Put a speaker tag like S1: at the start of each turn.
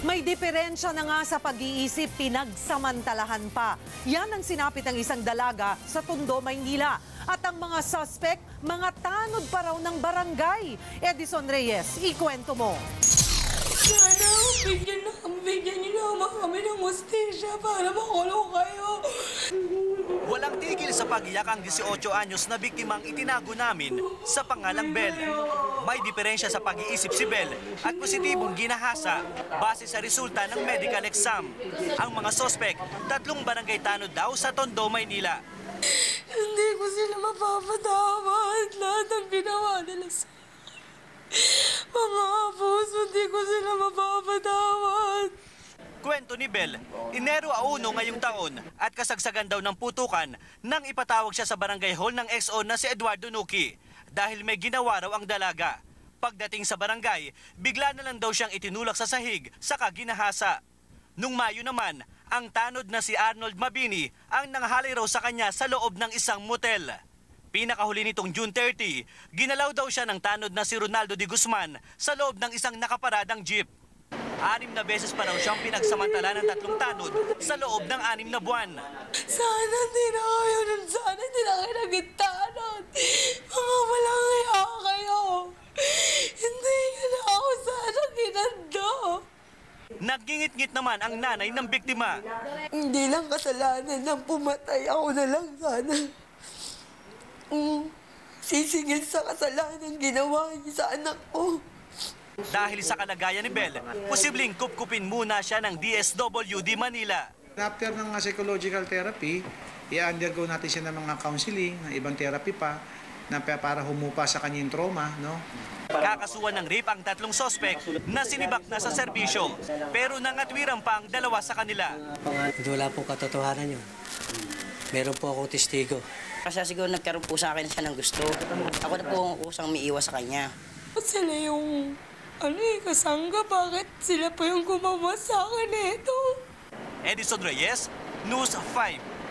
S1: May diferensya na nga sa pag-iisip, pinagsamantalahan pa. Yan ang sinapit ng isang dalaga sa Tondo, Maynila. At ang mga suspect, mga tanod pa raw ng barangay. Edison Reyes, ikwento mo.
S2: Sana bigyan niyo naman kami ng hustisya para makulong kayo.
S3: Walang tigil sa pag-iyak ang 18 anyos na biktimang itinago namin sa pangalang Bel. May diferensya sa pag-iisip si Bel at positibong ginahasa base sa resulta ng medical exam. Ang mga sospek, 3 barangay tanod daw sa Tondo, Maynila.
S2: Hindi ko sila mapapatawad. Lahat ng ginawa nila sa mga abuso, hindi ko sila mapapatawad.
S3: Kwento ni Bel, Enero 1 ngayong taon at kasagsagan daw ng putukan nang ipatawag siya sa barangay hall ng XO na si Eduardo Nuki dahil may ginawa raw ang dalaga. Pagdating sa barangay, bigla na lang daw siyang itinulak sa sahig saka ginahasa. Nung Mayo naman, ang tanod na si Arnold Mabini ang nanghalay raw sa kanya sa loob ng isang motel. Pinakahuli nitong June 30, ginalaw daw siya ng tanod na si Ronaldo de Guzman sa loob ng isang nakaparadang jeep. 6 na beses pa raw siyang pinagsamantala ng 3 tanod sa loob ng 6 na buwan.
S2: Sana hindi na kayo nun. Sana hindi na kayo nagtanod. Mga walang hiya kayo. Hindi nyo na ako sana ginando.
S3: Nagingit-ngit naman ang nanay ng biktima.
S2: Hindi lang kasalanan ng pumatay. Ako na lang sana. Sisingil sa kasalanan ginawa niya sa anak ko.
S3: Dahil sa kalagayan ni Bel, posibleng kupkupin muna siya ng DSWD Manila.
S4: After ng psychological therapy, i-undergo natin siya ng mga counseling, ng ibang therapy pa, na para humupa sa kanyang trauma, no?
S3: Kakasuhan ng rape ang 3 sospek na sinibak na sa serbisyo, pero nangatwiran pa ang 2 sa kanila.
S5: Wala pong katotohanan yun. Meron po akong testigo.
S6: Kasi siguro nagkaroon po sa akin siya ng gusto. Ako na po ang kusang umiiwas sa kanya.
S2: Sila yung kasangga. Bakit sila pa yung gumawa sa akin ito?
S3: Edison Reyes, News 5.